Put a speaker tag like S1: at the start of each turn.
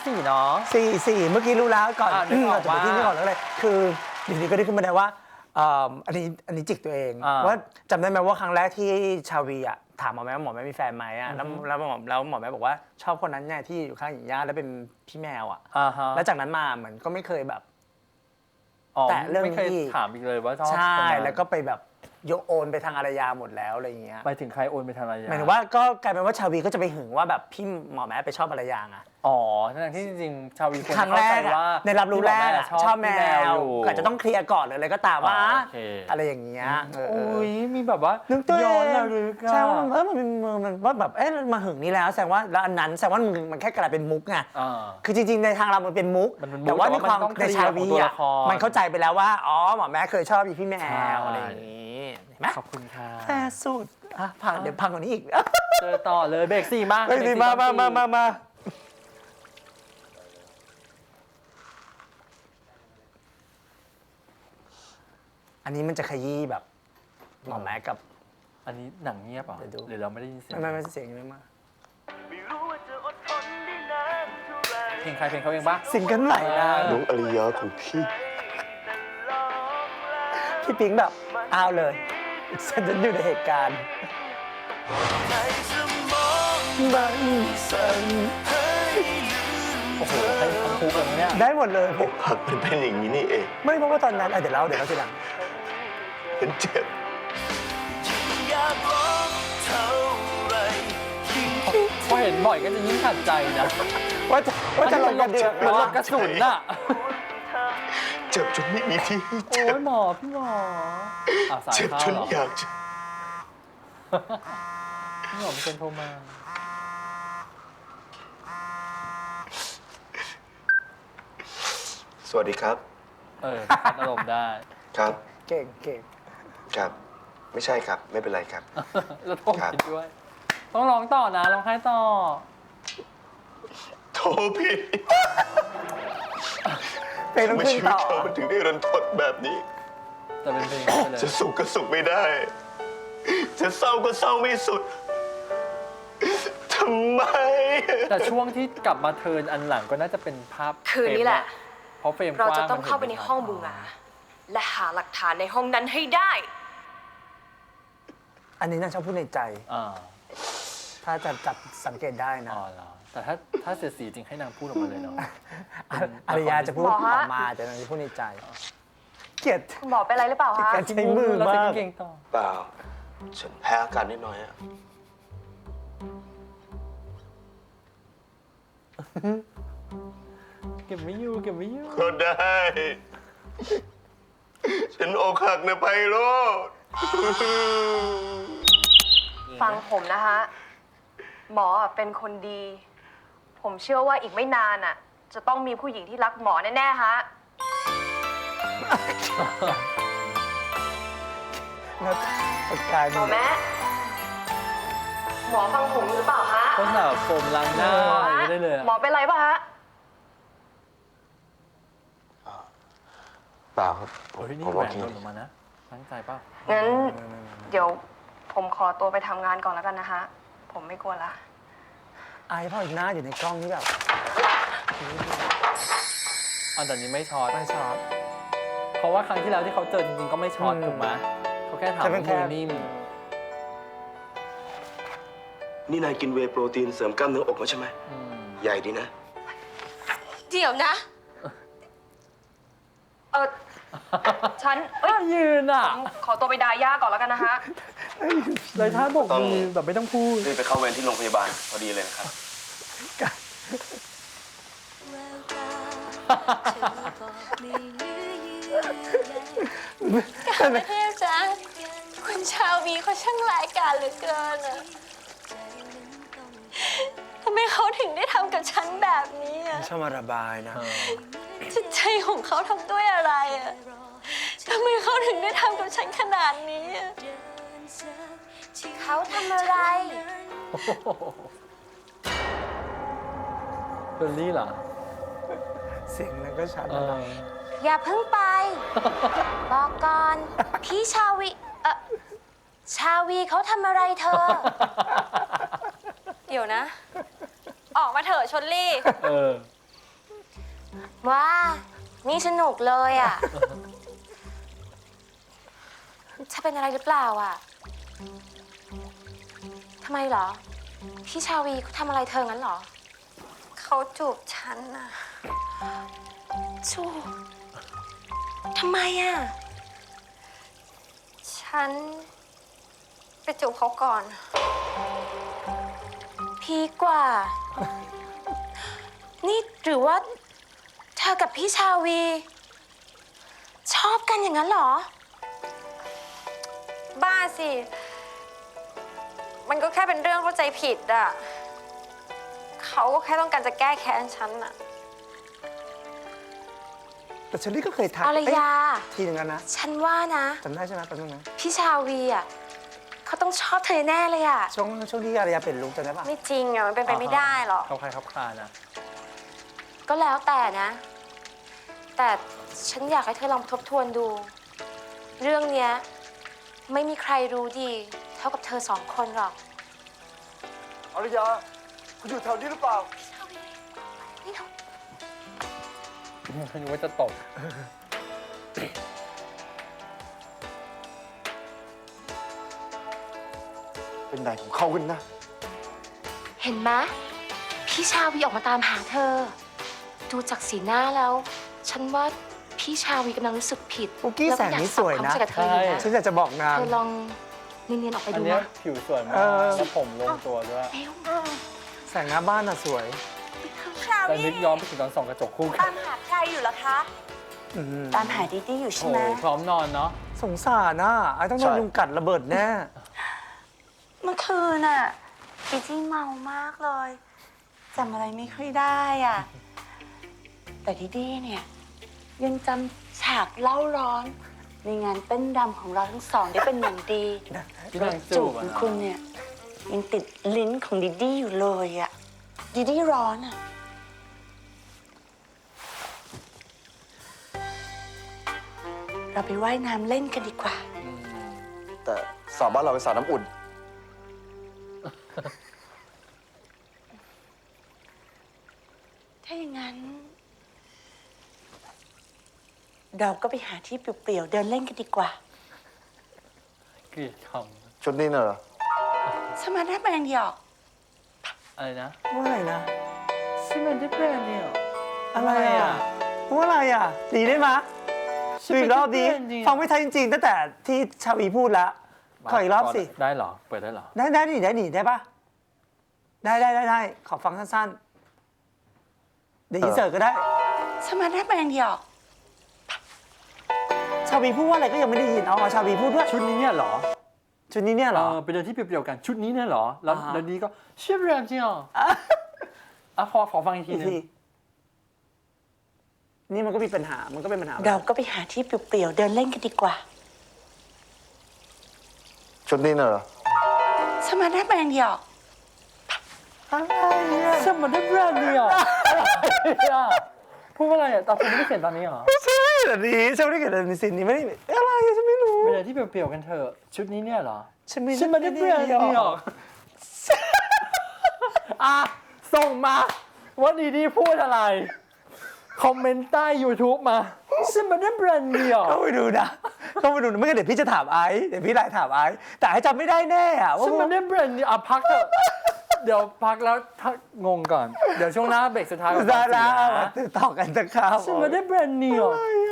S1: 4เนาะ
S2: 4เมื่อกี้รู้แล้วก่อน
S1: นึกออก
S2: จะไปที่นี่ก่อนแล้วเลยคืออยู่ดีก็ได้ขึ้นมาได้ว่าอันนี้จิกตัวเองว่าจำได้ไหมว่าครั้งแรกที่ชาวีอะถามหมอแม่ว่าหมอแม่มีแฟนไหมอะแล้วหมอแม่บอกว่าชอบคนนั้นเนี่ยที่อยู่ข้างหญิงย่าแล้วเป็นพี่แมวอะแล้วจากนั้นมาเหมือนก็ไม่เคยแบบแต่เรื่อง
S1: ไม่เคยถามอีกเลยว่าชอบ
S2: ใช่แล้วก็ไปแบบยกโอนไปทางอารยาหมดแล้วอะไรอย่างเงี้ย
S1: ไปถึงใครโอนไปทางอารยา
S2: หมายถึงว่าก็กลายเป็นว่าชาวีก็จะไปหึงว่าแบบพี่หมอแม่ไปชอบอารยาไง
S1: อ๋อทั้งที่จริงๆชาวี
S2: ครั้งแรกในรับรู้แรกชอบแมวก็จะต้องเคลียร์ก่อนเลยก็ตามว่าอะไรอย่างเงี้ย
S1: โอ้ยมีแบบว่า
S2: ย้อนระลึกใช่ว่ามันว่าแบบมาหึงนี่แล้วแสดงว่าแล้วอันนั้นแสดงว่ามันแค่กลายเป็นมุกไงคือจริงๆในทางเรามันเป็นมุกแต่ว่าในความในชาวีอ่ะมันเข้าใจไปแล้วว่าอ๋อหมอแม่เคยชอบพี่แมวอะไรอย่างงี้เห็นไหม
S1: ขอบคุณค่ะ
S2: แฟร์สุดพังเดี๋ยวพังกว่านี้อีก
S1: เจอต่อเลยเบรก4มาก
S2: เบรก4มาอันนี้มันจะขยี้แบบหมอแม็กกับ
S1: อันนี้หนังเงียบอ่ะหรือเราไม่ได้ยินเสียง
S2: ไม่เสียงไม่มาก
S1: เพลงใครเพลงเขาเองปะ
S2: ซิงเกิลใหม่นะ
S3: น้องอริยาของพี่
S2: ปิ๊งแบบอ้าวเลยฉันจะอยู่ในเหตุการณ์บังสัน
S1: โอ้โหให้ทั้งคู่เลยเนี่ย
S2: ได้หมดเลย
S3: อกหักเป็นอย่างนี้นี่เอง
S2: ไม่เพราะว่าตอนนั้นเดี๋ยวเล่าทีหลัง
S3: เป็นเจ็บ
S1: พอเห็นบ่อยก็จะยิ่งขัดใจนะ
S2: ว่าจะลงกระเดือก
S1: หรือว่ากระสุนน่ะ
S3: เจ็บจนไม่มีที่
S1: โอ้ยหมอพี่หมอ
S3: เจ็บจนอยากจะ
S1: พี่หมอเป็นโทรมา
S3: สวัสดีครับ
S1: พัดอารมณ์ได้
S3: ครับ
S2: เก่ง
S3: ครับไม่ใช่ครับไม่เป็นไรครับ
S1: แล้วโทรผิดด้วยต้องร้องต่อนะร้องไห้ต่อ
S3: โทรผิด
S2: เพลงต้องขึ้นต่อ
S3: มันถึงได้รันทดแบบนี้
S1: แต่เป็นเพลง
S3: จะสุขก็สุขไม่ได้จะเศร้าก็เศร้าไม่สุดทำไม
S1: แต่ช่วงที่กลับมาเทิร์นอันหลังก็น่าจะเป็นภาพ
S4: คืนนี้แหละ
S1: เพราะเฟรม
S4: เราจะต้องเข้าไปในห้องบูงาและหาหลักฐานในห้องนั้นให้ได้
S2: อันนี้น่าชอบพูดในใจถ้าจะจับสังเกตได้นะ
S1: แต่ถ้าเสียสีจริงให้นางพูดออกมาเลยเนาะ
S2: อารยาจะพูดออกมาแต่นางจะพูดในใจเกลียด
S4: บอกไปอะไรหรือเปล่าคะ
S2: การใช้มือมาก
S3: เปล่าฉันแพ้อากาศนิดหน่อยอะ
S1: เก็บไม่อยู่
S3: ก็ได้ฉันอกหักนะไพโรจน์
S4: ฟังผมนะคะหมอเป็นคนดี ผมเชื่อว่าอีกไม่นานจะต้องมีผู้หญิงที่รักหมอแน่ๆฮะหมอแม่หมอฟังผมหรือเปล่าฮะ
S1: ก็สาวโฟมล้างหน้าไม่ได้เลย
S4: หมอเป็นไรป่ะฮะ
S3: เปล่าครับ
S1: นี่แหวนหล่นออกมานะตั้งใจเปล่า
S4: งั้นเดี๋ยวผมขอตัวไปทำงานก่อนแล้วกันนะฮะผมไม่กลัวละ
S2: อายพ่ออีกหน้าอยู่ในกล้องนี่แบบ
S1: แต่นี้ไม่ช็อตเพราะว่าครั้งที่แล้วที่เขาเจอจริงๆก็ไม่ช็อตถูกไหมเขาแค่ถามมือนิ่ม
S3: นี่นายกินเวย์โปรตีนเสริมกล้ามเนื้ออกมาใช่ไหมใหญ่ดีนะ
S4: เดี๋ยวนะฉัน
S1: ยืน
S4: ขอตัวไปดาย่าก่อนแล้วกันนะฮะ
S1: เลยท่าบอกมือแบบไม่ต้องพูด
S3: รีบไปเข้าเวรที่โรงพยาบาลพอดีเลยนะครับ
S4: กประเทศจ้ะคุณชาววีเขาช่างรายการเหลือเกินทำไมเขาถึงได้ทำกับฉันแบบนี้
S2: ชอบมาระบายนะ
S4: จิตใจของเขาทำด้วยอะไรทำไมเขาถึงได้ทำกับฉันขนาดนี้เขาทำอะไร
S1: เบลลี่เหรอ
S2: เสียงนั้นก็ชัด
S4: อย่าเพิ่งไปบอกก่อนพี่ชาวีเขาทำอะไรเธอเดี๋ยวนะออกมาเถอะชลลี่
S5: ว้า นี่สนุกเลยอ่ะ จะเป็นอะไรหรือเปล่าอ่ะ ทำไมเหรอ พี่ชาวีเขาทำอะไรเธองั้นเหรอ
S6: เขาจูบฉันน่ะ
S5: จูบทำไมอ่ะ
S6: ฉันไปจูบเขาก่อน
S5: พีคกว่า นี่หรือว่าเธอกับพี่ชาวี ชอบกันอย่างนั้นเหรอ
S6: บ้าสิ มันก็แค่เป็นเรื่องเข้าใจผิดอะเขาก็แค่ต้องการจะแก้แค้นฉันอะ
S2: แต่เชอรี่ก็เคยทัก
S5: อารยา
S2: ทีนึงแล้วนะ
S5: ฉันว่านะ
S2: จำได้ใช่ไหมแป๊บนึงนะ
S5: พี่ชาวีอ่ะเขาต้องชอบเธอแน่เลยอ่ะ
S2: ช่วงที่อารยาเป็นลุกจำได้ปะ
S6: ไม่จริงอะมันเป็นไปไม่ได้หรอก
S1: เขาใครเขาคลานะ
S5: ก็แล้วแต่นะ แต่ฉันอยากให้เธอลองทบทวนดู เรื่องเนี้ยไม่มีใครรู้ดี เท่ากับเธอสองคนหรอก
S7: อารยา คุณอยู่แถวนี้หรือเปล่า
S5: นี่เรา
S1: นึกว่าจะตก
S7: เป็นไหนของเขากันนะ
S5: เห็นไหมพี่ชาวีออกมาตามหาเธอ ดูจากสีหน้าแล้ว ฉันว่าพี่ชาวีกำลังรู้สึกผิด
S2: ปุ๊กกี้แสงนี้สวยนะ
S5: แล้วก็อยากปรับความเข้าใจกับเธออยู่นะ
S2: ฉันอยากจะบอกนาง
S5: เธอลองเนียนๆออกไป
S1: อัน
S5: ดู
S1: เนี้ย
S5: นะ
S1: ผิวสวยมา
S2: เอก อ
S1: แล้วผมลงตัวด้วย
S5: เร็ว
S2: แสงหน้าบ้านน่ะสวย
S1: แต่นึกย้อนไปถึงตอนส่องกระจกคู่กั
S8: ตาน มหาใครอยู่เหรอคะ
S2: อืม
S8: ตามหาดิดี้อยู่ใช่
S1: โอ้
S8: ไหม
S1: พร้อมนอนเนาะ
S2: สงสารน่ะไอ้ต้องโดน
S7: ใช่
S2: ยุงกัดระเบิดแน่
S8: เมื่อคืนน่ะดิดี้เมามากเลยจำอะไรไม่ค่อยได้อ่ะ แต่ดิดี้เนี่ย ยังจำฉากเล่าร้อน ในงานเต้นรำของเราทั้งสองได้เป็นอย่างดี
S1: ที่นาง
S8: จู
S1: จู
S8: บบ ข
S1: อะ
S8: อง
S1: นะ
S8: คุณเนี่ย ยังติดลิ้นของดิดี้อยู่เลยอ่ะดิดี้ร้อนอ่ะ เราไปว่ายน้ำเล่นกันดีกว่า
S7: แต่สาวบ้านเราเป็นสาวน้ำอุ่น
S8: ถ้าอย่างนั้น เราก็ไปหาที่เปลี่ยวๆเดินเล่นกันดีกว่า
S1: เกลียดค
S7: ชุดนี้น่ะเหรอ
S8: สมาร์ทแมนหยอก
S1: ำอะไรนะ
S2: ว่าอะไรนะ
S1: ซิมันได้เป็นเนี่ย
S2: อะไรอ่ะว่าอะไรอ่ะดีได้ไหมดูอีกรอบดี ฟังไม่ทันจริงๆตั้งแต่ที่ชาวีพูดแล้ว ขออีกรอบสิ
S1: ได้เหรอ เปิดได้เหรอ
S2: ได้ดิได้ปะได้ขอฟังสั้นๆ เดี๋ยวอินเสิร์ตก็ได้
S8: สมาร์ทแมนหยอก
S2: ชาวีพูดว่าอะไรก็ยังไม่ได้ยินเอาชาวีพูดด้วย
S1: ชุดนี้เนี่ยเหรอ
S2: ชุดนี้เนี่ยเหรอ
S1: ไปเดินที่เปรียวๆกัน ชุดนี้เนี่ยเหรอ แล้ว
S2: อ่าฮะ
S1: แล้วนี้ก็เชื่อแรมจริงเหรออ่ะขอฟังอีกที
S2: อีก
S1: นึง
S2: ทีนี่มันก็มีปัญหา มันก็เป็นปัญหา
S8: เราก็ไปหาที่เปลี่ยวๆเดินเล่นกันดีกว่า
S7: ชุดนี้น่ะเหรอ
S8: สมาร์ทแมนหยอก
S1: สมันได้แบรนด์เนี่ยอะไรอ่ะพูดว่าอะไรอ่ะตอนคุณไม่ได้เขียนตอนนี้เหรอ
S2: ใช่แบบนี้ฉันไม่ได้เกิดในซีนนี้ไม่ได้อะไรฉันไม่รู้
S1: ไปเดินที่เปรียวๆกันเถอะชุดนี้เนี่ยเหรอ
S2: ฉันไม่
S1: ฉันไม่ได้แบรนด์เนี่ยอ่ะส่งมาว่าดีๆพูดอะไร คอมเมนต์ใต้ YouTube มาฉันไม่ได้แบรนด์เนี่ย
S2: เข้าไปดูนะไม่งั้นเดี๋ยวพี่จะถามไอซ์เดี๋ยวพี่ไลน์ถามไอซ์แต่ไอซ์จำไม่ได้แน่อะว่า
S1: ฉันไม่ได้แบรนด์เนี่ยอ่ะพักเถอะเดี๋ยวพักแล้วถ้างงก่อน เดี๋ยวช่วงหน้าเบรกสุดท้ายก่อน
S2: ได้แล้ว
S1: นะ
S2: ต่อกันจะข้าว
S1: ฉันไม่ได้แบรนด์เนี่ย
S2: อะไร